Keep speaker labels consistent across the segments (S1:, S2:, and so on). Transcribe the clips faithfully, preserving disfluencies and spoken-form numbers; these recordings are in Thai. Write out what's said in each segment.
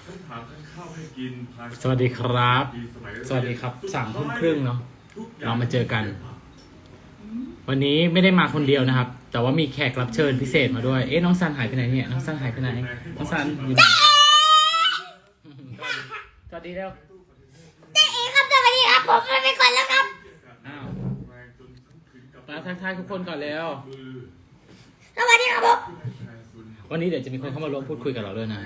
S1: สวัสดีครับสวัสดีครับสามทุ่มครึ่งเนาะเรามาเจอกัน วันนี้ไม่ได้มาคนเดียวนะครับ แต่ว่ามีแขกรับเชิญพิเศษมาด้วยเอ๊ะน้องซันหายไปไหนเนี่ยน้องซันหายไปไหนน้องซันอยู่ไหนสวัสดีเร็ว
S2: เจ๊เอครับสวัสดีครับผมไปก่อนแล้วครับ
S1: อ้าวมาทักทายทุกคนก่อนแล้ว
S2: สวัสดีครับผม
S1: วันนี้เดี๋ยวจะมีคนเข้ามาร่วมพูดคุยกับเราด้วยนะ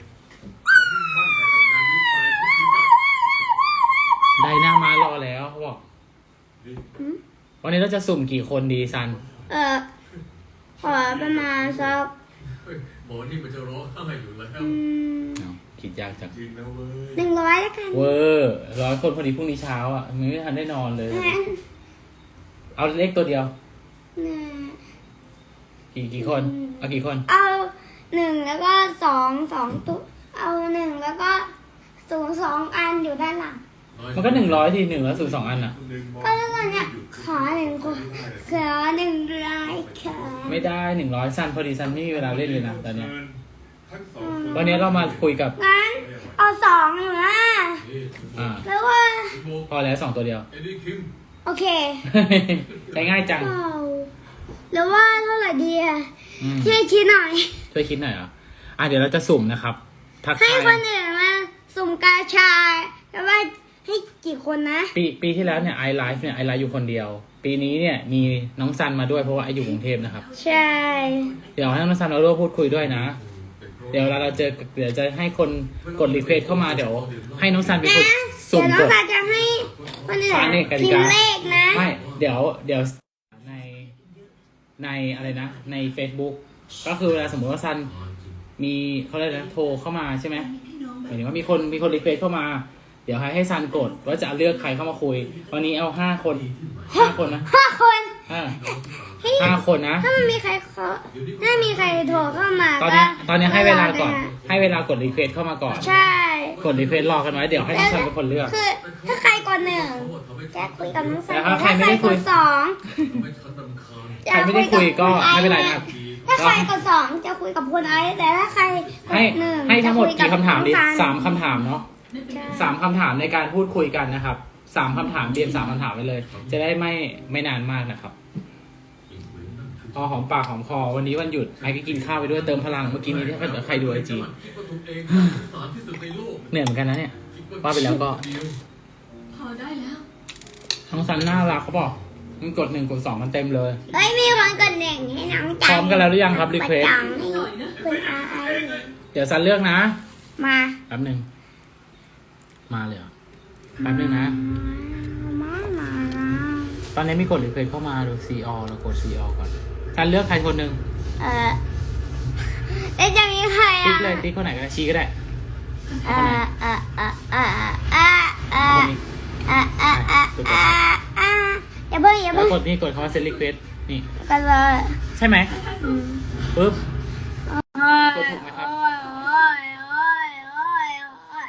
S1: ไดหน้ามารอแล้วเขาบอกวันนี้เราจะสุ่มกี่คนดีซัน
S2: เอ่อขอประมาณสัก
S3: หมอนี่มันจะร้องไห้อยู่แล้ว
S2: อืม
S1: เอาคิดยากจัง
S3: จริงนะเว้ย
S2: หนึ่งร้อยแล้วกัน
S1: เวอร์ร้อยคนพอดีพรุ่งนี้เช้าอ่ะไม่ทันได้นอนเลย
S2: งั้น
S1: เอาเลขตัวเดียว
S2: หนึ่ง
S1: กี่กี่คน เอากี่คน
S2: เอาหนึ่งแล้วก็สองสองตัวเอาหนึ่งแล้วก็ศูนย์สองอันอยู่ด้านหลัง
S1: มันก็หนึ่งร้อยทีหนึ่งแล้วสูงสองอันอ่ะ
S2: ก็แล้วตอนเนี้ยขอหนึ่งคนขอหนึ่งร้อยค่ะ
S1: ไม่ได้หนึ่งร้อยซันพอดีซันไม่มีเวลาเล่นเลยนะตอนเนี้ยวันนี้เรามาคุยกับ
S2: งั้นเอาสองอยู่นะ
S1: อ่า
S2: แล้วว่า
S1: พอแล้วสองตัวเดียว
S3: เอ็ดดี้คิม
S2: โอเค
S1: ใช้ง่ายจัง
S2: เอาแล้วว่าเท่าไหร่ดีอะ
S1: อืม
S2: ช่วยคิดหน่อย
S1: ช่วยคิดหน่อยเหรอ่ะอ่ะเดี๋ยวเราจะสุ่มนะครับ ทัก
S2: ให้
S1: ทาย
S2: คนอื่นมาสุ่มกาชาแล้วว่าให้กี่คนนะ
S1: ปีปีที่แล้วเนี่ยไอไลฟ์เนี่ยไอไลฟ์อยู่คนเดียว ปีนี้เนี่ยมีน้องซันมาด้วยเพราะว่าไออยู่กรุงเทพนะครับ
S2: ใช่
S1: เดี๋ยวให้น้องซันเราร่วมพูดคุยด้วยนะ เดี๋ยวเราเราเจอเดี๋ยวจะให้คนกดรีเควสเข้ามาเดี๋ยว ให้น้องซันเป็นคน
S2: นะ
S1: สุ่
S2: เดี๋ยวน้อง
S1: มกด
S2: ตาจะให้คนอื่น
S1: อ่านี่กติ
S2: พิม
S1: กา
S2: พ์เลขนะ
S1: ไม่เดี๋ยวเดี๋ยวในในอะไรนะใน Facebook ก็คือเวลาสมมติว่าซันมีเขาเรียกอะไรนะโทรเข้ามาใช่ไหมหมายถึงว่ามีคนมีคนรีเควสเข้ามา เดี๋ยวให้ให้ซันกดว่าจะเลือกใครเข้ามาคุย วันนี้เอาห้าคนห้าคนนะ
S2: ห้าคน
S1: อ่าห้าคนนะ
S2: ถ้ามันมีใครขอถ้ามีใครโทรเข้ามา
S1: ตอนนี้ตอนนี้ให้เวลาก่อน
S2: ได้ะ
S1: ให้เวลากดรีเควสเข้ามาก่อน
S2: ใช่
S1: กดรีเควสรอกันไว้เดี๋ยวให้น้องซันเป็นคนเลือก
S2: คือถ้าใครกดหนึ่งจะคุยกับน้องสัน
S1: แต่ถ้า
S2: ถ้า
S1: ใครไม่
S2: ใคร
S1: ได้คุ
S2: ก
S1: ย
S2: ดสอง
S3: ไม่ฉันรำคาญ
S1: ใครไม่ได้คุยก็ไม่เป็นไรนะครับ
S2: ถ้าใครกดสองจะคุยกับคนไอซ์แต่ถ้าใครก
S1: ให้
S2: ดหนึ่ง
S1: ให้ทั้งหมด
S2: จะ
S1: กี่คำถามดี
S2: น้อง
S1: สามคำถามเนาะ
S2: ใช่
S1: สามคำถามในการพูดคุยกันนะครับสามคำถามเรียนสามคำถามไปเลย จะได้ไม่ไม่นานมากนะครับพอหอมปากหอมคอวันนี้วันหยุดไอ้ก็กินข้าวไปด้วยเติมพลังเมื่อกี้นี้ถ้าเกิดใครดูไอจี
S3: คิดว่าตัวเองสารที่สุดในโลก
S1: เหนื่อยเหมือนกันนะเนี่ย ว่าไปแล้วก็
S4: พอได้แล้ว
S1: น้องซันน่ารักเขาบอกมันกดหนึ่งกดสองมันเต็มเลย
S2: เฮ้ยมีคนกดหนึ่งให้น้องจัง
S1: พร้อมกันแล้วหรือยังครับ request
S2: จังให้คุณอาไอซ์
S1: เดี๋ยวซันเลือกนะ
S2: มา
S1: แป๊บหนึ่งมาเลยเหรอแป๊บหนึ่งนะ
S2: มามา
S1: ตอนนี้มีกดรีเควสเข้ามาดู ซี อ เรากด ซี อ ก่อนซันเลือกใครคนหนึ่ง
S2: เออเอ๊ะจะมีใคร
S1: ติ๊
S2: อ่ะ
S1: กเลยติ๊กคนไหนก็ได้ชี้ก็ได้
S2: เออเออเออเออเออเอ
S1: เอา
S2: อ
S1: คนนี้
S2: เออเออเออเออเอออย่าเพิ่งอย่า
S1: แล้
S2: เพิ่
S1: ว
S2: ง
S1: กดนี่กดคำว่า send request นี่
S2: กันเลย
S1: ใช่ไหม
S2: อืม
S1: ปึ๊บ
S2: โอ้ย
S1: กดถูกไหมครับ
S2: โอ้ยโอ้ยโอ้ยโอ้ยโอ้ย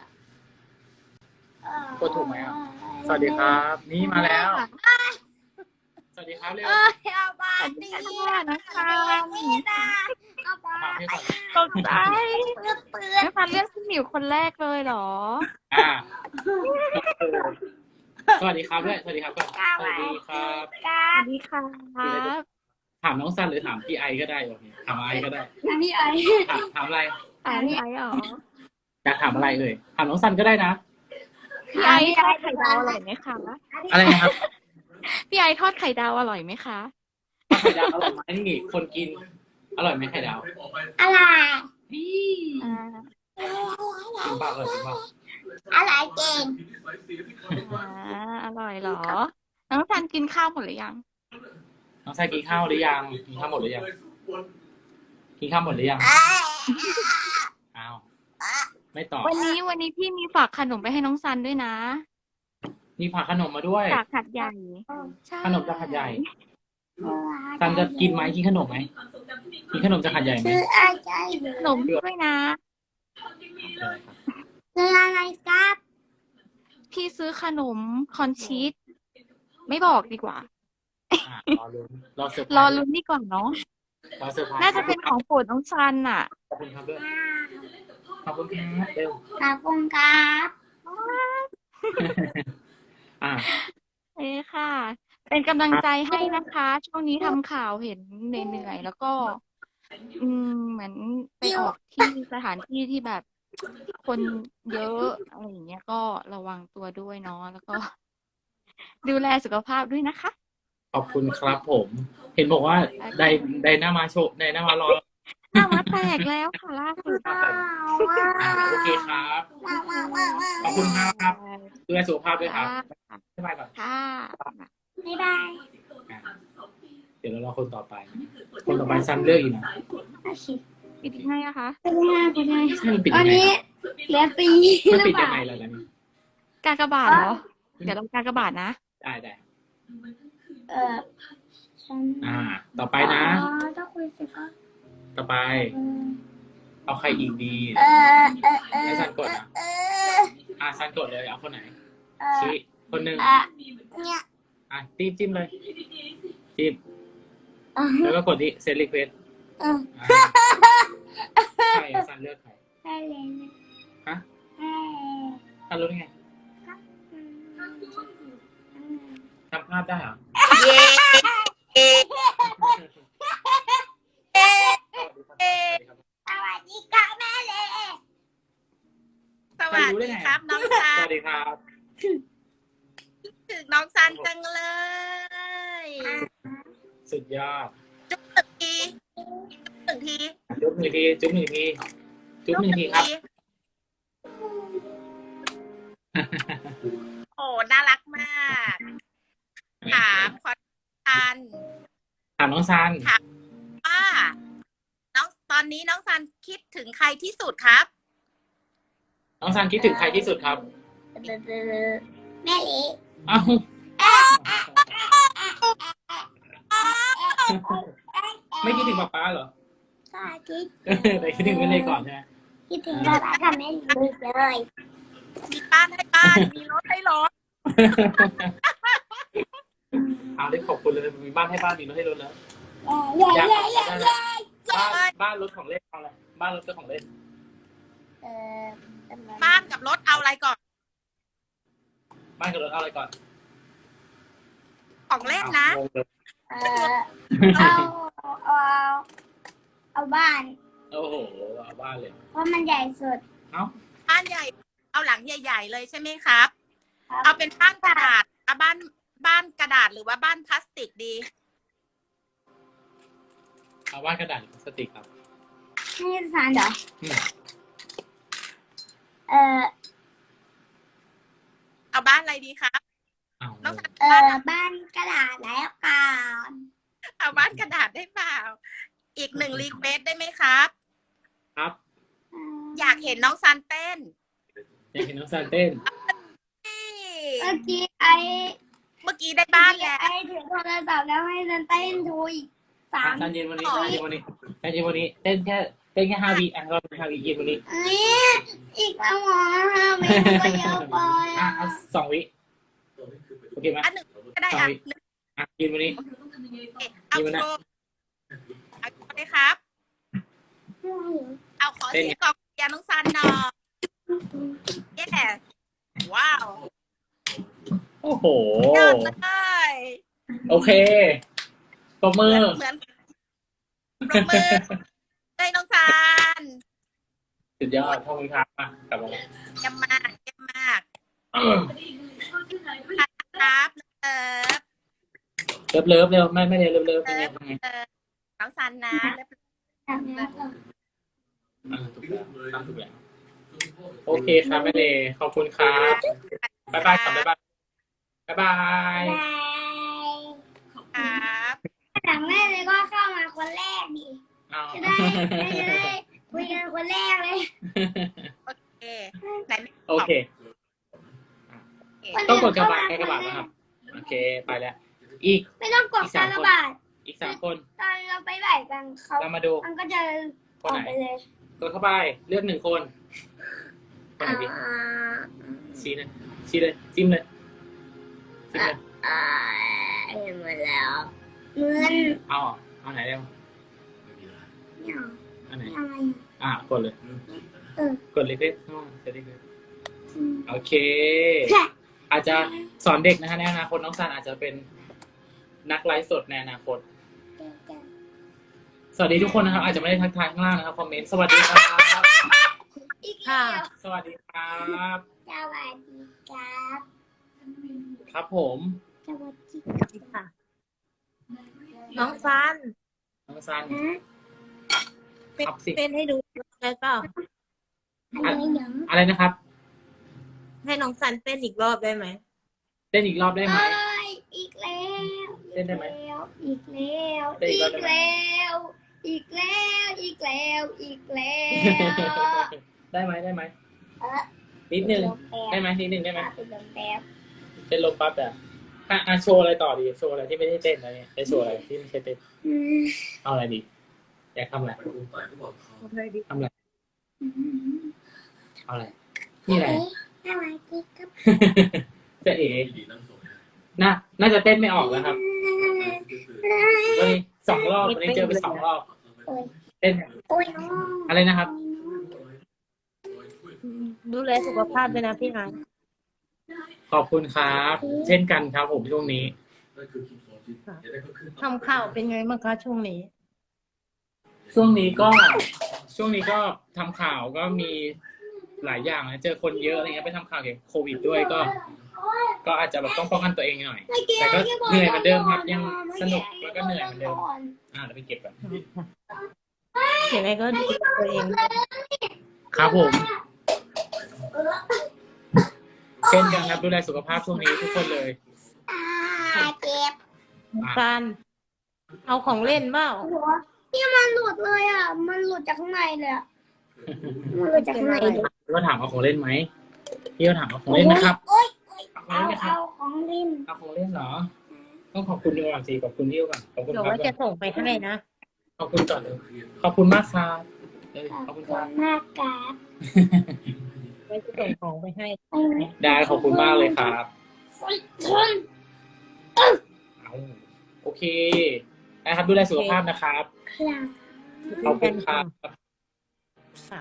S1: กดถูกไหมครับ สวัสดีครับ นี่มาแล้ว สวัสดีครับเร็ว
S2: เอ้ยเอาไปดี
S4: นะคะ
S2: นี่นะเอาไป
S1: ถามให้ก่อน
S4: ตกใจ
S2: เปื้อนเปื้อน
S4: ไม่ฟันเลือกพี่หมิวคนแรกเลยเหรอ
S1: อ่าสวัสดีครับด้วยสวัสดีครับก่อนสวัสดีครับ
S2: กา
S4: สวัสดีครับ
S1: ถามน้องซันหรือถามพี่ไอก็ได้โอเคถามไอก็ได้
S2: พี่ไอ
S1: ถามถามอะไร
S4: ถามพี่ไอซ์เหรอ
S1: อยากถามอะไรเอ่ยถามน้องซันก็ได้นะ
S4: พี่ไอซ์ทอดไข่ดาวอร่อยไหมคะ
S1: อะไรนะครับ
S4: พี่ไอซ์ทอดไข่ดาวอร่อยไหมคะ
S1: ไข่ดาวอร่อยไหมนี่คนกิน อร่อยไหมไข่ดาว
S2: อะไร
S4: อ่า
S1: กินเปล่าอร่อยจริงเปล่า
S2: อะไรเก่ง
S4: อ่าอร่อยเหรอ น้องซันกินข้าวหมดหรือยัง
S1: น้องซันกินข้าวหรือยังกินข้าวหมดหรือยังกินข้าวหมดหรือยังอ้าวไม่ตอบ
S4: วันนี้วันนี้พี่มีฝากขนมไปให้น้องซันด้วยนะ
S1: มีผักขนมมาด้วย
S4: จากหัดใหญ่ใช่
S1: ขนมจากหัดใหญ่ซันจะกินไหมกินขนมไหมกินขนมจากหัดใหญ่ไหม
S2: คืออะไร
S4: ขนมด้วยนะ
S2: คืออะไรครับ
S4: พี่ซื้อขนมคอนชีสไม่บอกดีกว่า
S1: อ่ะรอลุ้นรอเซอร์ไพร
S4: รอ
S1: ส์
S4: ลุ้นดีกว่าเนาะ
S1: รอเซอร์ไพรส์
S4: น่าจะเป็นของโปรดน้องซันน่ะ
S1: ขอบคุณครับด้วยอบคุณครับเร็ว
S2: ขอบคุณครับ
S1: อ่า
S4: เอ้ค่ะ เป็นกำลังใจให้นะคะ ช่วงนี้ทำข่าวเห็นเหนื่อยๆแล้วก็ อืมเหมือนไปออกที่สถานที่ที่แบบคนเยอะอะไรอย่างเงี้ยก็ระวังตัวด้วยเนาะแล้วก็ ดูแลสุขภาพด้วยนะคะ
S1: ขอบคุณครับผม เห็นบอกว่าไดไดนามาโชว์ไดนามารอ
S4: หน้ามาแตกแล้วค่ะล่าสุด
S1: อ่าโอเคครับ ขอบคุณครับดูแลสุขภาพด้วยครับ
S4: ค่ะ
S1: บ๊ายบายก่อน
S4: ค่ะ
S2: บ๊ายบาย
S1: อ่ะเดี๋ยวเรารอคนต่อไป คนต่อไปซันเลือกอีกนะ
S2: โอเค
S4: ปิดยังไงอะคะ
S2: เป็นไงเป็นไง
S1: ใช่มันปิด
S2: ตอ
S1: ยั
S2: น
S1: งไง
S2: นี้
S1: ครับ
S2: เหลือฟรี
S1: มัน
S2: หรือ
S1: ปิด
S2: เป
S1: ยั
S2: ล่าง
S1: ไงล่ะล่ะนี่
S4: กากบาทเหรอ เดี๋ยวเรากากบาทนะ
S1: ได้ได้
S2: เออฉัน
S1: อ่า ต่อไปนะ
S2: อ๋อถ้าคุยเสร็จก็
S1: ต่อไป
S2: เออ
S1: เอาใครอีกดี
S2: เออเออเออ
S1: ให้ซันกดนะ
S2: เออ
S1: อ่าซันกดเลย เอาคนไหน
S2: เออ
S1: ชี้คนหนึ่ง
S2: อ่ะเนี่ย
S1: อ่ะจิ้มจิ้มเลย จิ้ม
S2: อ่ะ
S1: แล้วก็กดที่เซตรีเควส
S2: เออ
S1: ใช่ซันเลือกใคร
S2: ได้เลยนะ
S1: ฮะ
S2: ให้
S1: ซันรู้ได้ไง
S2: อืม
S1: จำภาพได้เหรอ
S2: สวัสดีครับแม่เลย
S5: สวัสดีครับน้องซั
S1: สวัน สดีครับ
S5: ถึงน้องซันจังเลย
S1: สุดยอด
S5: จุ๊บหนึ่งทีจุ๊บหนึ่งที
S1: จุ๊บหนึ่งที จุ๊บหนึ่งที จุ๊บหนึ่งทีครับ
S5: โอ้น่ารักมาก ถามขอซัน
S1: ถามน้องซัน
S5: ว่าน้องตอนนี้น้องซันคิดถึงใครที่สุดครับ
S1: น้องซันคิดถึงใครที่สุดครับ
S2: แม่เล็ก
S1: เอ้าไม่คิดถึงป๊าป๊าเหรอ
S2: ก็คิด
S1: แต่คิดถึงแม่เลยก่อนใช่ไหม
S2: คิดถึงป๊าป๊ากับแม่เล็กเลย
S5: มีบ้านให้บ้าน มีรถให้รถ
S1: เอาได้ขอบคุณเลย มีบ้านให้บ้าน มีรถให้รถแล้ว
S2: เย้
S1: อยาก
S2: เย้เย้เย้
S1: บ้านบ้านรถของเล่นเอาอะไร บ้านรถเป็นของเล่น
S2: เออ
S5: บ้านกับรถเอาอะไรก่อน
S1: บ้านกับรถเอาอะไรก่อน
S5: ของเล่นนะ
S1: งงเลย
S2: เออเอาเอาเอาบ้าน
S1: โอ้โห เอาบ้านเลย
S2: เพราะมันใหญ่สุด
S1: เอ้า
S5: บ้านใหญ่ เอาหลังใหญ่ๆเลยใช่ไหมครับ
S2: ครับ
S5: เอาเป็นบ้านกระดาษเอาบ้านบ้านกระดาษหรือว่าบ้านพลาสติกดี
S1: เอาบ้านกระดาษหรือพลาสติกครับ
S2: นี่สารเหรอ
S1: อืม
S2: เออ
S5: เอาบ้านอะไรดีครับ
S1: เอา
S5: น้องซัน
S2: เออบ้านกระดาษแล้วกัน
S5: เอาบ้านกระดาษได้เปล่า อีกหนึ่งรีเควสได้ไหมครับ
S1: ครับ
S5: อยากเห็นน้องซันเต้น
S1: อยากเห็นน้องซันเต้น
S2: เมื่อกี้ไอ้
S5: เมื่อกี้ได้บ้านแล้ว
S2: ไอ้ถือโทรศัพท์แล้วให้เดินเต้นดูอีกสาม
S1: ซันเย็นวันนี้ซันเย็นวันนี้ซันเย็นวันนี้ เต้นแค่ เต้นแค่ห้าวิอ่ะเราห้าวิเย็นวันนี้
S2: เอ้ยอีกแล้วเหรอห้าเมตรก็เยอะไป
S1: อ่ะ
S2: อ่ะ
S1: เอาสองวิ โอเคไหม
S5: อันหนึ่งก็ได้อ่ะหนึ่ง
S1: อ่ะเย็นวันนี้
S5: เอา
S1: มีไหม
S5: โช
S1: นะ
S5: ว์เอาโชว์เลยครับ เอาขอเสียงกองเชียร์น้องซันหน่อยเย้ว้าว
S1: โอ้โห
S5: ยอดเลย
S1: โอเคตบมือ
S5: เหมือนปรบมือเลยน้องซัน
S1: สุดยอดขอบคุณครับอ่ะกลับมาแล้ว
S5: เยี่ยมมากเยี่ยมมาก
S1: เออ
S5: ครับเออ
S1: เลิฟเลิฟเร็วไม่ไม่เร็วเลิฟเลิฟเป็นไงเป็นไง
S5: เออน้องซันนะเลิฟ
S1: อ่ะถูกแล้วทำถูกแล้วโอเคครับแม่เดย์ขอบคุณครับบ๊ายบายครับบ๊ายบายบ๊ายบาย
S5: ครับ
S2: หลังแม่เลยก็เข้ามาคนแรกดิ
S1: เอา
S2: จะได้จะได้คุยกันคนแรกเลย
S5: โอเคไหนไม่
S1: โอเค ต้องกดกระบาดกระบาดนะครับ โอเคไปแล้ว อีก
S2: ไม่ต้องกดการระบาด
S1: อีกสามคน
S2: ตอนเราไปบ่ายกันเขา
S1: เรามาดู
S2: มันก็จะออกไปเลย
S1: กดเข้าไปเลือกหนึ่งคนคนไหนดี
S2: อ่า
S1: ชี้เลยชี้เลยจิ้มเลยจิ้มเลย
S2: อ่าเห็นหมดแล้วเงิน
S1: เอาเอาไหนเร็ว
S2: เนี่ย
S1: อันไหน
S2: อะไร
S1: อ่ะกดเลย
S2: อเออก
S1: ดรีเควสข้างล่างจะรีเควส
S2: อืม
S1: โอเค อาจจะสอนเด็กนะคะในอนาคตน้องซันอาจจะเป็นนักไลฟ์สดในอนาคต สวัสดีทุกคนนะครับ อาจจะไม่ได้ทักทายข้างล่างนะครับคอมเมนต์สวัสดีครับ
S2: อีกแล้ว
S1: สวัสดีครับ
S2: สวัสดีครับ
S1: ครับผม
S2: สวัสดี
S6: ค่ะ น้องซัน
S1: น้องซัน
S2: นะ
S6: เต้น
S1: ครับสิ
S6: เต้นให้ดูได้เปล่า
S2: อะไรเนาะ
S1: อะไรนะครับ
S6: ให้น้องซันเต้นอีกรอบได้ไหม
S1: เต้นอีกรอบได้ไหม
S2: เอ้ยอีกแล้ว
S1: เต้นได้ไหม
S2: อีกแล้ว
S1: เต้นอี
S2: อี
S1: ก
S2: ก
S1: รอบได้ไหม
S2: แล้ว อีกแล้ว อีกแล้ว อีกแล้ว
S1: ได้ไหมได้ไหม
S2: เออ
S1: นิดนึง
S2: ลมแป๊
S1: ได้
S2: บ
S1: ไหมนิดนึงได้ไหม
S2: เป็นลมแป๊บ
S1: เป็นลมปั๊บแต่อ่ะอ่ะโชว์อะไรต่อดีโชว์อะไรที่ไม่ได้เต้นอะไรเนี่ยจะโชว์อะไรที่ไม่ใช่เต้น
S2: อืม
S1: เอาอะไรดีอยากทำอะไร
S3: ไปอุ้มไปก็บอกเขา
S1: ทำอะไรเอาอะไรนี่อะไร
S2: สวัสดีครับ
S1: จะเอ๋
S3: ดีนั่งส่งนะ
S1: น่าน่าจะเต้นไม่ออกแล้วครับวันนี้สองรอบวันนี้เจอไปสองรอบ
S2: โอ้ย
S1: เต้น
S2: โอ้ยน้อง
S1: อะไรนะครับ
S6: ดูแลสุขภาพด้วยนะพี่ไอซ์
S1: ขอบคุณครับ เช่นกันครับผมช่วงนี้
S3: นั่นคือคิดของจิตอย่าได้ก็ขึ้น
S6: ทำข่าวเป็นไงบ้างคะช่วงนี้
S1: ช่วงนี้ก็ ช่วงนี้ก็ทำข่าวก็มีหลายอย่างนะเจอคนเยอะอะไรเงี้ยไปทำข่าวเกี่ยวกับโควิดด้วยก็ ก็อาจจะแบบต้องป้องกันตัวเองหน่อย แต่ก็เหนื่อยเหมือนเดิมครับยังสนุกแล้วก็เหนื่อยเหมือนเดิมอ่าเราไปเก็บกัน
S6: ยังไงก็ดูแลตัวเอง
S1: ครับผมเช่นกันครับดูแลสุขภาพช่วงนี้ทุกคนเลย
S2: อ่าเจ็บ
S6: ซัน เอาของเล่นเปล่า
S2: หัวนี่มันหลุดเลยอ่ะ มันหลุดจากข้างในเลยอ่ะ มันหลุดจากข้างในเลย
S1: พี่ก็ถามเอาของเล่นไหมพี่ก็ถามเอาของเล่นนะครับ
S2: โอ๊ย
S1: เอาของ
S2: เอา
S1: เล่นไหมครับ
S2: เอาของเล่น
S1: เอาของเล่นเหรอ ต้องขอบคุณดีกว่าสิขอบคุณพี่ก่อนขอบคุณ
S6: เดี๋ยว
S1: ครับ
S6: ว่าจะส่งไปให้นะ
S1: ขอบคุณก่อนเลยขอบคุณมากครับเออขอบคุณครับ
S2: มากครับ
S6: ไว้จะส่งของไปให้
S1: ได้ขอบคุณมากเลยครับ
S2: ชน
S1: เอาโอเคนะครับดูแลสุขภาพนะครับ
S2: ครับ
S1: ขอบคุณครับ
S6: ค่ะ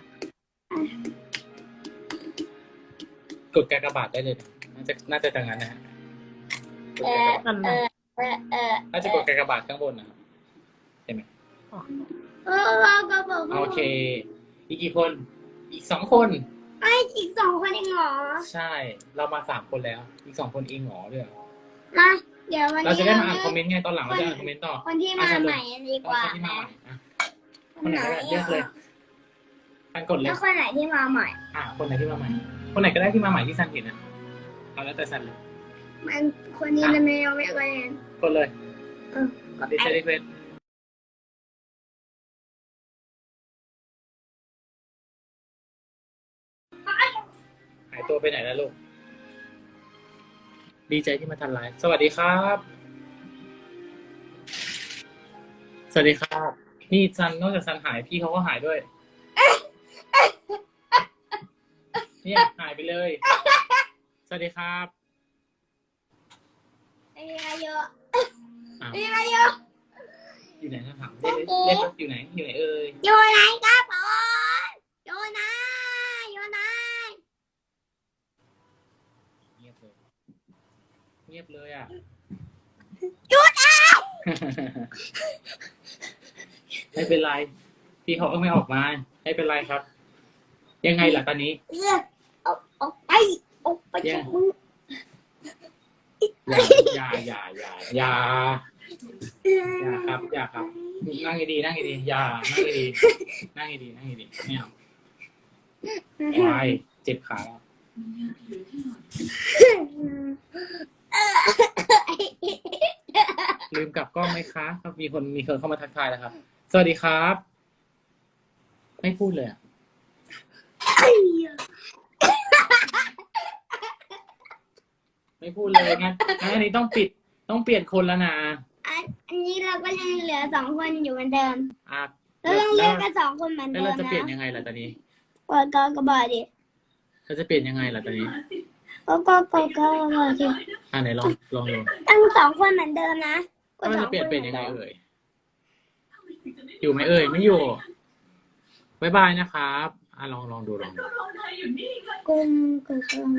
S1: กดกากบาทได้เลยนะน่าจะน่าจะดังนั้นนะฮะกด
S2: เอก
S1: ากบาท
S2: อเออเออเออ
S1: น่าจะกดกากบาทข้างบนนะครับเห็นไหม
S2: เออเราก็บอกว่า
S1: โอเค อีกกี่คน อีกสองคน
S2: ไอ้อีกสองคนเองเหรอ
S1: ใช่ เรามาสามคนแล้ว อีกสองคนเองเหรอด้วยเหรอ
S2: มาเดี๋ยววัน
S1: เรา
S2: นี้
S1: จะได้มาอ่านคอมเมนต์ไงตอนหลังเราจะอ่านคอมเมนต์ต่อ
S2: คนที่มาใหม่ดีกว่า
S1: คนที่มา
S2: นะ
S1: ใหม่อ่ะคนไหนก็ได้เลือกเลยทันกดเลย
S2: แล้วคนไหนที่มาใหม่
S1: อ่ะคนไหนที่มาใหม่ คนไหนก็ได้ที่มาใหม่ที่ซันเห็นนะเอาแล้วแต่ซันเลย
S2: มันคนนี้จะไม่เอาไม่เอาเอง
S1: กดเลย
S2: เออ
S1: กดดิสรีเควสหายตัวไปไหนแล้วลูก ดีใจที่มาทันไลฟ์สวัสดีครับ สวัสดีครับ นี่ซันนอกจากซันหายพี่เขาก็หายด้วย เนี่ยหายไปเลย สวัสดีครับ
S2: ไอ้อายุ
S1: อ้าว
S2: ไอ้อายุ
S1: อยู่ไหนนะถามเรียกเรียกอยู่ไหน อยู่ไหนเอ่ย
S2: อยู่ไหนครับผมอยู่ไหนอยู่ไหน
S1: เงียบเลย เงียบเลยอ่ะ
S2: หยุดอ่ะ
S1: ไม่เป็นไร พี่เขาก็ไม่ออกมา ไม่เป็นไรครับ ยังไงล่ะตอนนี้
S2: เออออกออกไปออกไปจากมึง
S1: อย่าอย่าอย่าอย่าอย่าอย่าครับ อย่าครับ นั่งดีๆนั่งดีๆอย่านั่งดีๆนั่งดีๆนั่งดีๆไม่เอาวายเจ็บขาแล้วลืมกลับกล้องไหมคะครับมีคนมีคนเข้ามาทักทายแล้วครับ สวัสดีครับ ไม่พูดเลยอะไม่พูดเลยงั้นงั้นอันนี้ต้องปิดต้องเปลี่ยนคนแล้วนะ
S2: อันอันนี้เราก็ยังเหลือสองคนอยู่เหมือนเดิม
S1: อ่ะ
S2: เรายังเหลือกันสองคนเหมือน
S1: แล้ว
S2: เดิ
S1: เรา
S2: ม
S1: จะเปลี่ยน
S2: นะ
S1: ยังไงล่ะตอนนี้
S2: กดกากบาทดิ
S1: เราจะเปลี่ยนยังไงล่ะตอนนี้
S2: ก็ก็กดกากบาทดิ
S1: อ่ะไหนลองลองดู
S2: ตั้งสองคนเหมือนเดิมนะก
S1: ว่า
S2: ดส
S1: จะ
S2: อง
S1: เปลี่ยน
S2: คน
S1: เป็นยังไงเอ่ยอยู่ไหมเอ่ยไม่อยู่บ๊ายบายนะครับอ่ะลองลองดูลองดู
S2: กลมกลมกลม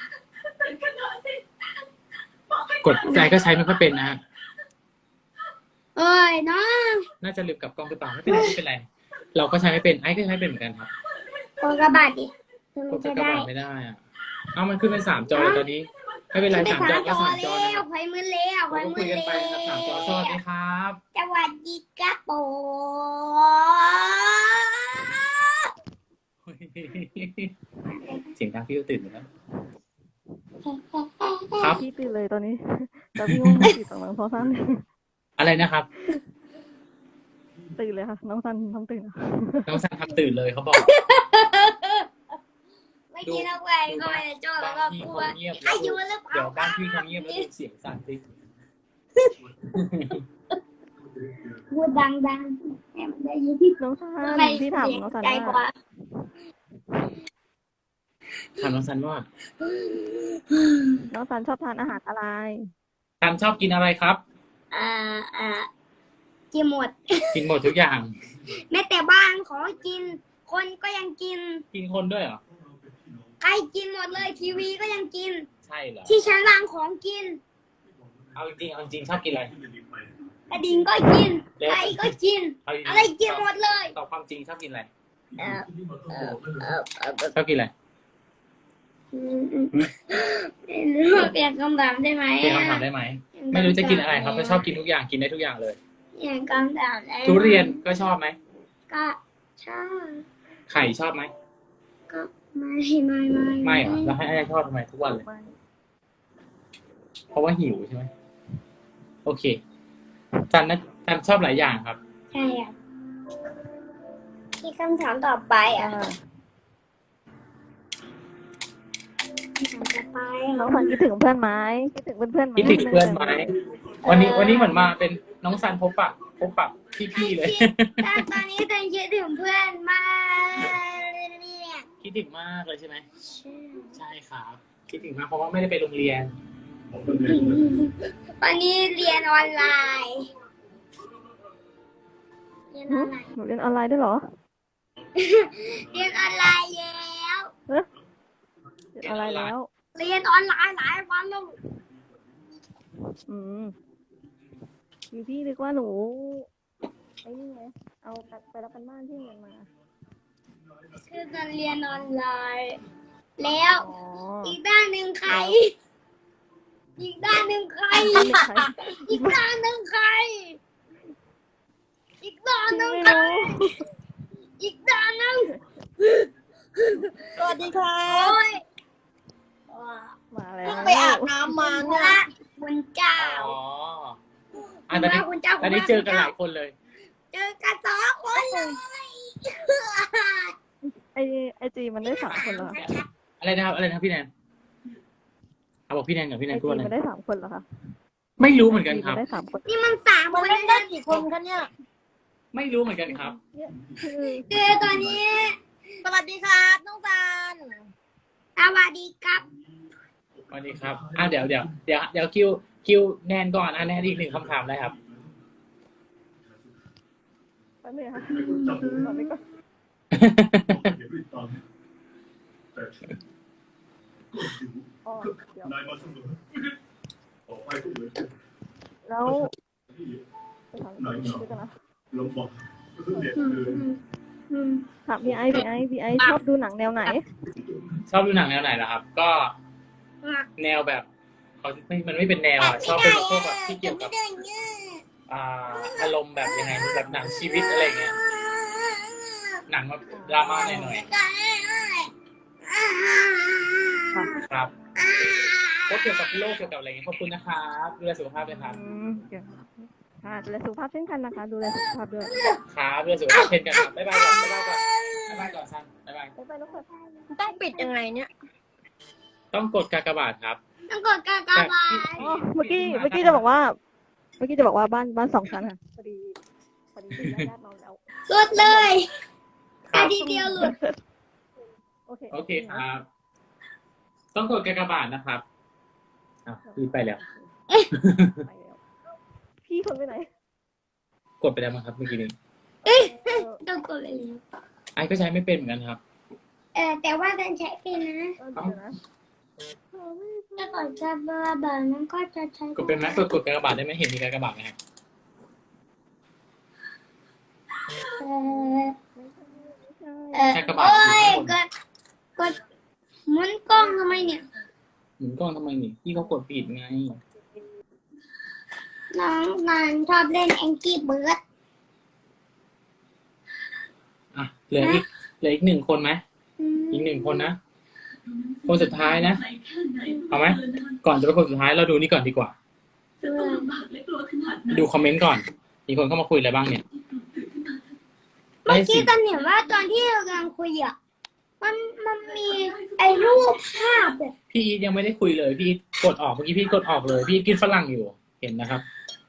S1: กดใจก็ใช้ไม่ค่อยเป็นนะฮะ
S2: เอ้ยน้อง
S1: น่าจะลืมกลับกล้องหรือเปล่าไม่เป็นไรไม่เป็นไร เราก็ใช้ไม่เป็นไอ้ก็ใช้เป็นเหมือนกันครับ
S2: กดกระบาดดิถึง
S1: กด
S2: จะ
S1: กระ
S2: ได้
S1: บาดไม่ได้อ่ะเอามันขึ้นเป็นสามจอเลยตอนนี้ไม่เป็นไร
S2: ไป
S1: สามจ
S2: สา
S1: อ
S2: มจ
S1: ก็
S2: อ
S1: สามจอ
S2: แล้
S1: นะคว รับ
S2: ไฟมือแล้ว
S1: เรา
S2: ไฟ
S1: ก็
S2: มื
S1: คุย
S2: อ
S1: กัน
S2: แล้
S1: ไปนะครับสามจอสวัสดีครับ
S2: สวัสดีครับผม
S1: เสียงดังพี่ก็ตื่นแล้วครับ
S7: พี่ตื่นเลยตอนนี้ แต่พี่ง่วงไม่ติดต่างหลังโทรศัพท์
S1: อะไรนะครับ
S7: ตื่นเลยค่ะ น้องซันทำตื่นอะ
S1: น้องซันทำตื่นเลยเขาบอก
S2: ไม่กินเอาไปก็ไม่ได้จ้อแล้วก็
S1: บ้านพี่
S2: กลัว
S1: เขาเงียบ
S2: อายุหรือเปล่า
S1: เดี๋ยวบ้านพี่เขาเงียบแล้วดูเสียงสั่นสิ
S2: พูดดังๆให้มันได้ยินที่
S7: น้องซัน
S2: ใคร
S7: พี่ถาม
S2: เสียง
S7: น้องซัน
S2: ไกลก
S7: ว่า
S2: ว่า
S1: ถามน้องซันว่า
S7: น้องซันชอบทานอาหารอะไร
S1: ซันชอบกินอะไรครับ
S2: อ่าอ่ากินหมด
S1: กินหมดทุกอย่าง
S2: แม้แต่บ้านขอกิน คนก็ยังกิน
S1: กินคนด้วยเหรอ
S2: ใครกินหมดเลย ทีวีก็ยังกิน
S1: ใช่เหรอ
S2: ที่ชั้นวางของกิน
S1: เอาจริงๆเอาจริงชอบกินอะไร
S2: กระดิ่งก็กิน
S1: แล้ว
S2: ไก่ก็กิน
S1: เอาจงๆ
S2: อะไรกินหมดเลย
S1: ตอบความจริงชอบกินอะไร
S2: เออเออเออเออ
S1: ชอบกินอะไร
S2: อืมอืมไม่รู้เปลี่ยนคำถามได้ไหม
S1: เปลี่ยนคำถามได้ไหม ไม่รู้จะกินอะไรครับก็ชอบกินทุกอย่างกินได้ทุกอย่างเลย
S2: เปลี่ยนคำถามได้ไหม
S1: ทุเรียนก็ชอบไหม
S2: ก็ชอบ
S1: ไข่ชอบไหม
S2: ก็ไม่ไม่ไม่
S1: ไม่เหรอแล้วให้ไอ้ชอบทำไมทุกวันเลย เพราะว่าหิวใช่ไหมโอเคจันนะจันชอบหลายอย่างครับ
S2: ใช่อ่ะที่คำถามต่อไปอ่ะ
S7: อ่า
S2: คำถามต่อไป
S7: น้องซันคิดถึงเพื่อนไหมคิดถึงเพื่อนๆไหม
S1: คิดถึงเพื่อนไหมวันนี้วันนี้เหมือนมาเป็นน้องซันพบปะพบปะพี่ๆเลย
S2: แต่ตอนนี้ตันคิดถึงเพื่อนมากเลยเนี่ย
S1: คิดถึงมากเลยใช่ไหมใช่ครับคิดถึงมากเพราะว่าไม่ได้ไปโรงเรียน
S2: วันนี้เรียนออนไลน์ เรียนอ
S7: หึ
S2: อนไลน์
S7: หนูเรียนออนไลน์ด้วยเหรอ
S2: เรียนออนไลน์แล้ว
S7: เรียนออนไลน์แล้ว
S2: เรียนออนไลน์หลายวันแล้ว
S7: อืมพี่พี่นึกว่าหนูไอ้นี่ไงเอาไปรับกันบ้านที่เรียนมา
S2: คือตอนเรียนออนไลน์ แล้ว
S7: อ๋อ
S2: อีกด้านหนึ่งใคร อีกด้านหนึ่งใคร
S7: ไม่มีใคร
S2: อีกด้านหนึ่งใคร อีกด้านหนึ่ง
S7: ไม่
S2: ใคร
S7: รู้
S2: อีกด้านหนึ่ง
S6: สวัสดีครั
S2: โอ้
S6: บ
S2: ย
S7: มาแล้ว
S6: เพิ่งไปอาบน้ำมาเนี่ย
S2: พระคุณเจ้า
S1: อ๋ออ่ะตอนนี้
S2: คุณเจ้า
S1: ตอนนี้เจอกันหลายคนเลย
S2: เจอกันสองคนเลย
S7: ไอไอจีมันได้สามคนเหรอ
S1: อะไรนะครับอะไรนะครับพี่แนนเอาบอกพี่แนนกับพี่แน
S7: ไอน
S1: พูด
S7: จี
S1: อะไร
S7: มันได้สามคนเหรอคะ
S1: ไม่รู้เหมือนกันครับ
S7: ไอจีมัได้สามคน
S2: นี่มันสาม
S6: มัน
S2: คน
S6: เล่นได้กี่คนคะเนี่ย
S1: ไม่รู้เหมือนกันครับ
S7: คือ
S2: เจอตอนนี้
S6: สวัสดีครับน้องซัน
S2: สวัสดีครับ
S1: สวัสดีครับอ่ะเดี๋ยวเดี๋ยวเดี๋ยวเดี๋ยวคิวคิวแนนก่อนอ่ะแนนอีกหนึ่งคำถามเลยครับ
S7: แป๊บนึงค่ะตอนนี้ก็อ๋อเดี๋ยวแล้วไปถามพี่กันนะ
S2: อืม
S7: ถามพี่ไอพี่ไอพี่ไอชอบดูหนังแนวไหน
S1: ชอบดูหนังแนวไหนล่ะครับ ก็แนวแบบเขาไม่มันไม่เป็นแนวอ่ะชอบเป็นพวกแบบที่เกี่ยวกับอ่าอารมณ์แบบยังไงแบบหนังชีวิตอะไรเงี้ยหนังแบบดราม่าหน่อยๆครับก็เกี่ยวกับโลกเกี่ยวกับอะไรเงี้ยขอบคุณนะครับดูแลสุขภาพด้วยครับ
S7: อืมเดี๋ยวค่ะดูแลสุขภาพเช่นกันนะคะ ดูแลสุขภาพด้วย
S1: ครับดูแลสุขภาพเช่นกันครับบ๊ายบายก่อนบ๊ายบายก่อนบ๊ายบายก่อนซันบ๊ายบาย
S7: ไปไปแล้วค่ะ
S6: ต้องปิดยังไงเนี่ย
S1: ต้องกดกากบาทครับ
S2: ต้องกดกากบาท
S7: อ๋อเมื่อกี้เมื่อกี้จะบอกว่า เมื่อกี้จะบอกว่าบ้านบ้านสองชั้นค่ะพอดีพอดีญาติญาตินอนแล้ว
S2: หลุดเลย
S1: ครั
S2: นา
S1: บ
S2: ทีเดียวหลุด
S7: โอเค
S1: โอเคครับ ต้องกดกากบาทนะครับอ่ะพี่ไปแล้ว
S7: ไปแล้วพี่คนไปไหน
S1: กดไปแล้วมั้งครับเมื่อกี้นี้
S7: เออ
S2: ต้องกดเลย
S1: ไอ้ก็ใช้ไม่เป็นเหมือนกันครับ
S2: ออแต่ว่าฉันใช้ฟรีนะ
S7: เออเดี๋ยวนะ
S2: ถ้าก่อนจะบาบานั้นก็จะใช้
S1: กดเป็นไหมกดกดกากบาทได้ไหมเห็นมีกากบาทไหมครับ
S2: เออเออ
S1: ใช้กระบาด
S2: โอ้ย
S1: อยู่
S2: ก
S1: ข้างบน
S2: ดกดหมุนกล้องทำไมเนี่ย
S1: หมุนกล้องทำไมนี่พี่เขากดผิดไง
S2: น้องนานชอบเล่นแองกี้เบิร์ด
S1: อ่ะเหลืออีกเหลืออีกหนึ่งคนไหมอีกหนึ่งคนนะคนสุดท้ายนะเอาไหมก่อนจะไปคนสุดท้ายเราดูนี่ก่อนดีกว่า ดูคอมเมนต์ก่อน มีคนเข้ามาคุยอะไรบ้างเนี่ย
S2: เมื่อ
S1: ได้สิ
S2: กี้ตอนเห็นว่าตอนที่เรากำลังคุยอ่ะมันมันมีไอ้รูปภาพแบบ
S1: พี่อีทยังไม่ได้คุยเลย พี่กดออกเมื่อกี้พี่กดออกเลย พี่กินฝรั่งอยู่ เห็นนะครับ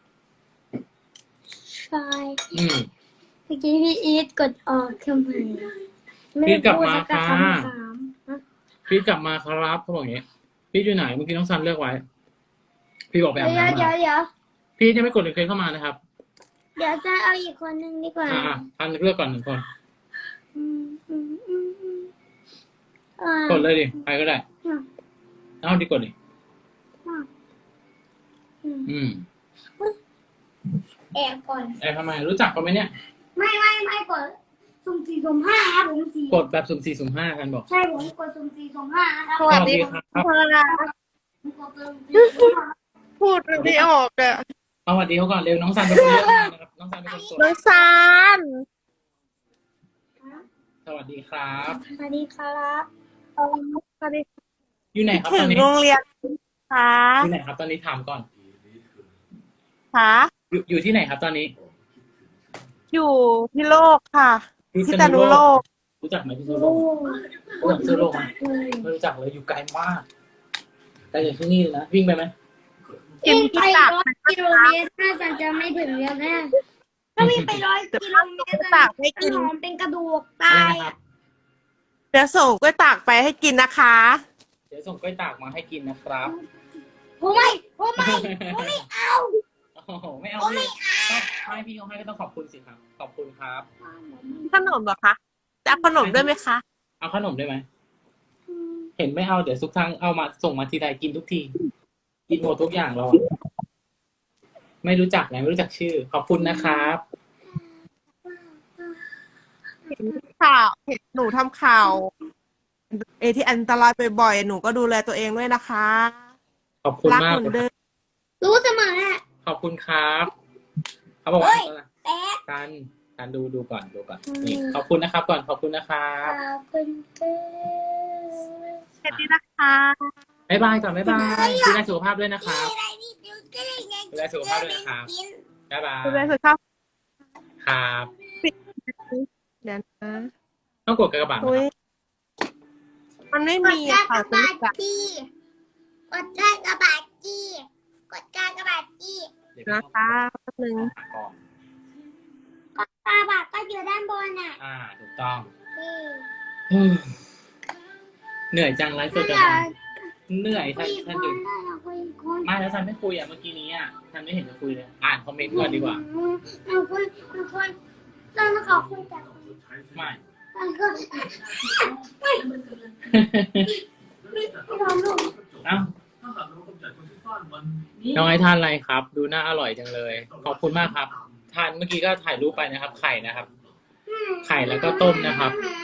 S2: ชาย
S1: อืม
S2: เมื่อกี้พี่อีทกดออกทำไม
S1: พี่กลับมา
S2: ไได้พูดสั
S1: ค่ะ
S2: คำสามฮะ
S1: พี่กลับมาครับเขาบอกอย่างนี้ พี่อยู่ไหนเมื่อกี้น้องซันเลือกไว้ พี่บอกไปอาบ
S2: เดี๋ยว
S1: น้ำ
S2: เดี๋ยว
S1: มา
S2: เดี๋ยว
S1: พี่ยังไม่กดรีเควสเข้ามานะครับ
S2: เดี๋ยวจะเอาอีกคนนึงดีกว่า
S1: อ่าอ่าทันเลือกก่อนหนึ่งคน
S2: อืมอืมอืมอืมอ่าก
S1: ดเลยดิใครก็ได้
S2: อ่ะ
S1: เอาดิกดดิ
S2: อ่ะอืม
S1: อืม
S2: แอบก่อน
S1: ไอ้ทำไมรู้จักเขาไหมเนี่ย
S2: ไม่ไม่ไม่กดสุ่มสี่สุ่มห้าครับผมสี่
S1: กดแบบสุ่มสี่สุ่มห้ากันบอก
S2: ใช่ผมกดสุ่มสี่สุ่มห้านะครับ
S6: สวัสดี
S1: ครับ
S6: ค่ะ
S2: ผมกดสุ่มสี่สุ่มห้า
S6: พูดไม่ออกอะ
S1: เอาสวัสดีเขาก่อนเร็วน้องซันเป็นคนเลือกมานะครับน้องซันเป็นคนกด
S6: น้องซาน
S1: สวัสดีครับ
S2: สวัสดีครับ
S6: สวัสดี
S1: อยู่ไหนครับ
S6: ถึ
S1: ตอง นนี้
S6: โรงเรียนค่ะ
S1: อยู่ไหนครับตอนนี้ถามก่อน
S6: ค่ะ
S1: อยู่อยู่ที่ไหนครับตอนนี้
S6: อยู่พิโลกค่ะ
S1: พิ
S6: พิ
S1: ษ
S6: ษ
S1: ณุ
S6: ณุ
S1: โล
S6: โล
S1: ก
S6: ก
S1: รู้จักไหมพิษณุโลกรู้จักพิษณุโลกไหมไม่รู้จักเลยอยู่ไกลมากไกลจากที่นี่เลยนะวิ่งไปไหม
S6: กิน
S2: วิ่ง
S6: พิ
S2: ไป
S6: ตัก
S2: ร้อยกิโลเมตรน่าจะจะไม่ถึงแล้วนะถ้าวิ่งไปร้อยกิโลเมตร
S6: ตักให้กิน
S2: หอมเป็นกระดูก
S1: อะไร
S2: ตาย
S1: นะครับ
S6: เดี๋ยวส่งกล้วยตากไปให้กินนะคะ
S1: เดี๋ยวส่งกล้วยตากมาให้กินนะครับ
S2: ผมไม่ผมไม่ผมไม่เอา
S1: โอ้โหไม่เอาพี่ต้องให้พี่เขาให้ก็ต้องขอบคุณสิครับขอบคุณครับ
S6: ขนมเหรอคะจะเอาขนมด้วยไหมคะ
S1: เอาขนมได้ไหมเห็นไม่เอาเดี๋ยวทุกครั้งเอามาส่งมาทีใดกินทุกทีกินหมดทุกอย่างเราอะไม่รู้จักไงไม่รู้จักชื่อ ขอบคุณนะครับ
S6: ข่าวเห็นหนูทำข่าวเอที่อันตรายบ่อยๆหนูก็ดูแลตัวเองด้วยนะคะ
S1: ขอบคุณ
S6: รัก
S1: มาก
S6: เหมือนเดิม
S2: รู้เสมออะ
S1: ขอบคุณครับเขาบอกว่า
S2: แป๊ะ
S1: การการดูดูก่อนดูก่อนนี่ขอบคุณนะครับ ก่อนขอบคุณนะครับ
S2: ขอบคุณเกิน
S6: แค่นี้นะคะ
S1: บ๊ายบายก่อนบ๊ายบายดูแลสุขภาพด้วยนะครับ
S2: อะไรนี่ดูก็ได้ไง
S1: ดูแลสุขภาพด้วยนะครับ บ๊ายบาย
S6: ดูแลสุขภาพ
S1: ครับ
S6: เดี๋ยวนะ
S1: ต้องกดกระบาดนะ
S6: อุ้ย
S1: ครับ
S6: มันไม่
S2: ก
S6: มี
S2: ดกา
S6: อะ
S2: รก
S6: ค่ะ
S2: ระบาดจีกดการกระบาดจีกดการกระบาดจี
S1: เดี๋ยว
S6: นะคะแป๊บนึง
S1: ก่อน
S2: กดกระบาดก็อยู่ด้านบนอ่ะ
S1: อ่าถูกต้อง
S2: นี่
S1: อืมเหนื่อยจังไลฟ์สด
S2: ถ้า
S1: จั
S2: อง ยาก
S1: เหนื่อย
S2: คุ
S1: ท่าน
S2: ยอีกค
S1: ท่าน นอยู่
S2: ได้อยากคุยอีกคน
S1: ไม่แล้วท่านไม่คุยอ่ะเมื่อกี้นี้อ่ะท่านไม่เห็นจะคุยเลย อ่านคอมเมนต์ก่อนดีกว่า
S2: อืมเอาคุยเอาคุยตอนขอคุยแต่คน
S1: ไม่
S2: ตอนก็ไม่ไม่ไม่ลองลูก
S1: เอ้า
S3: ถ้าหากเรากำจัดคนที่สร้างมัน
S1: น้องไอ้ทานอะไรครับ ดูน่าอร่อยจังเลย ขอบคุณมากครับ ทานเมื่อกี้ก็ถ่ายรูปไปนะครับ ไข่นะครับ ไข่แล้วก็ต้มนะครับ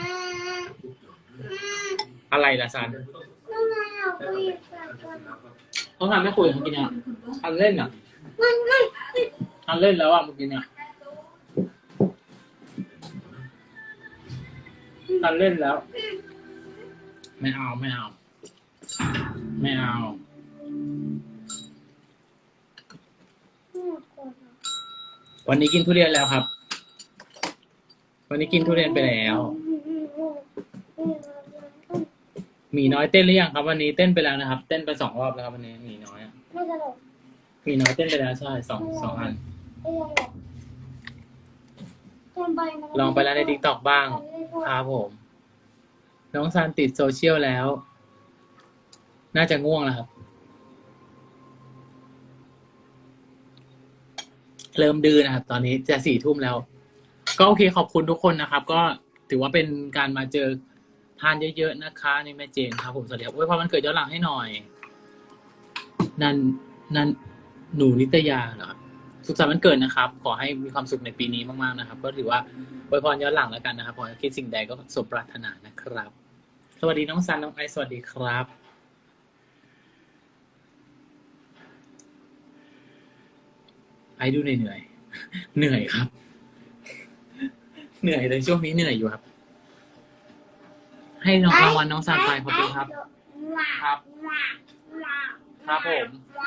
S1: อะไรล่ะซัน
S2: น้องนายเอาคุยกับคน
S1: เขาทานไม่คุยเมื่อกี้เนี่ยทันเล่นอ่ะ
S2: ไม่ไม่
S1: ทันเล่นแล้วอ่ะเมื่อกี้เนี่ยทันเล่นแล้ว ไม่เอาไม่เอา ไม่เอา วันนี้กินทุเรียนแล้วครับ วันนี้กินทุเรียนไปแล้วหมีน้อยเต้นหรือยังครับ วันนี้เต้นไปแล้วนะครับ เต้นไปสองรอบแล้วครับวันนี้หมีน้อยอะ
S2: ไม่ตลก
S1: หมีน้อยเต้นไปแล้วใช่สองสองอัน
S2: ไม่ตลกลองไปนะ
S1: ลองไปแล้วใน ติ๊กต็อก บ้างครับผม น้องซานติดโซเชียลแล้ว น่าจะง่วงแล้วครับ เริ่มดื้อนะครับ ตอนนี้จะสี่ทุ่มแล้ว ก็โอเคขอบคุณทุกคนนะครับ ก็ถือว่าเป็นการมาเจอทานเยอะๆนะคะนี่แม่เจนครับผมสวัสดีครับอวยพรวันเกิดย้อนหลังให้หน่อย นันนันหนูนิตยาเหรอครับสุขสันต์วันเกิดนะครับ ขอให้มีความสุขในปีนี้มากๆนะครับ ก็ถือว่าอวยพรย้อนหลังแล้วกันนะครับขอให้คิดสิ่งใดก็สมปรารถนานะครับ สวัสดีน้องซันน้องไอซ์สวัสดีครับ ไอซ์ดูเหนื่อยๆเหนื่อยครับ เหนื่อยเลยช่วงนี้เหนื่อยอยู่ครับ ให้น้องรางวัลน้องซันไปขอบคุณครับ ครับ ครับผม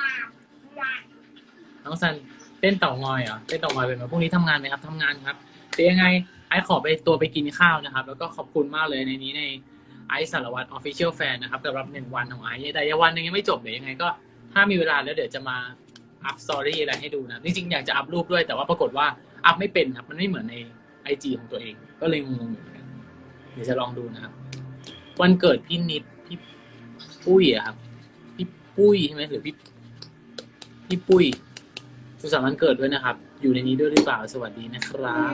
S1: น้องซันเต้นเต่างอยเหรอเต้นเต่างอยเป็นไหมพรุ่งนี้ทำงานไหมครับทำงานครับแต่ยังไงไอซ์ขอไปตัวไปกินข้าวนะครับ แล้วก็ขอบคุณมากเลยในนี้ในไอซ์สารวัตร Official Fan นะครับสำหรับหนึ่งวันของไอซ์แต่ยังวันหนึงยังไม่จบเดี๋ยวยังไงก็ถ้ามีเวลาแล้วเดี๋ยวจะมาอัพสตอรี่อะไรให้ดูนะจริงๆอยากจะอัพรูปด้วยแต่ว่าปรากฏว่าอัพไม่เป็นครับมันไม่เหมือนใน ไอ จี ของตัวเองก็เลยงงๆอยู่เหมือนกันเดี๋ยวจะลองดูนะครับวันเกิดพี่นิดพี่ปุ้ยอะครับพี่ปุ้ยใช่ไหมหรือพี่พี่ปุ้ยสุขสันต์วันเกิดด้วยนะครับ อยู่ในนี้ด้วยหรือเปล่าสวัสดีนะครับ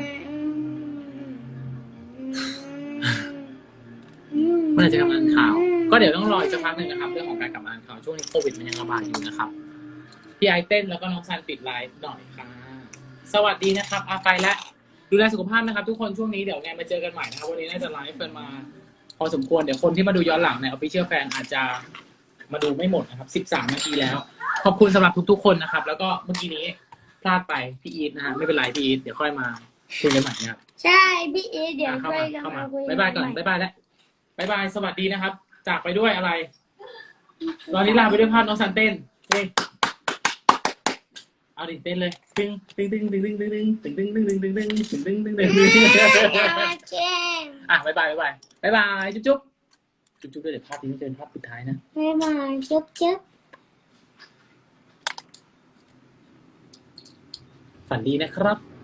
S1: เมื่อไหร่จะกลับมาอ่านข่าว ก็เดี๋ยวต้องรออีกสักพักหนึ่งนะครับ เรื่องของการกลับมาอ่านข่าวช่วงนี้โควิดมันยังระบาดอยู่นะครับพี่ไอเต้นแล้วก็น้องซันปิดไลฟ์หน่อยค่ะสวัสดีนะครับอาไปแล้วดูแลสุขภาพนะครับ ทุกคนช่วงนี้เดี๋ยวไงมาเจอกันใหม่นะครับวันนี้น่าจะไลฟ์กันมาพอสมควรเดี๋ยวคนที่มาดูย้อนหลังใน Official Fan อาจจะมาดูไม่หมดนะครับสิบสามนาทีแล้วขอบคุณสำหรับทุกๆคนนะครับ แล้วก็เมื่อกี้นี้พลาดไปพี่อีทนะฮะไม่เป็นไรพี่อีทเดี๋ยวค่อยมาคุยกันใหม่นะครับ
S2: ใช่พี่อีทเดี๋ยว
S1: อ่ะเข้า
S2: ค่อ
S1: มาย
S2: จะ
S1: เข้ามา
S2: มาคุย
S1: บ๊ายบายก่อน
S2: ใหม่
S1: บ๊ายบายแล้วบ๊ายบายสวัสดีนะครับ จากไปด้วยอะไรตอนนี้ลาไปด้วยภาพน้องซันเต้นเฮ้ยเอาดิเต้นเลยตึ้งตึ้งตึ้งตึ้งตึ้งตึ้งตึ้งตึ้งตึ้งตึ้งตึ้งตึ้งตึ้งตึ้งตึ้งตึ้งตึ้งตึ้งอ่ะบ๊ายบายบ๊ายบายบ๊ายบายจุ๊บจุ๊บจุ๊บจุ๊บด้วยเดี๋ยวภาพนี้จะเป็นภาพสุดท้ายนะ
S2: บ๊ายบายจุ๊บจุ๊บ
S1: ฝันดีนะครับ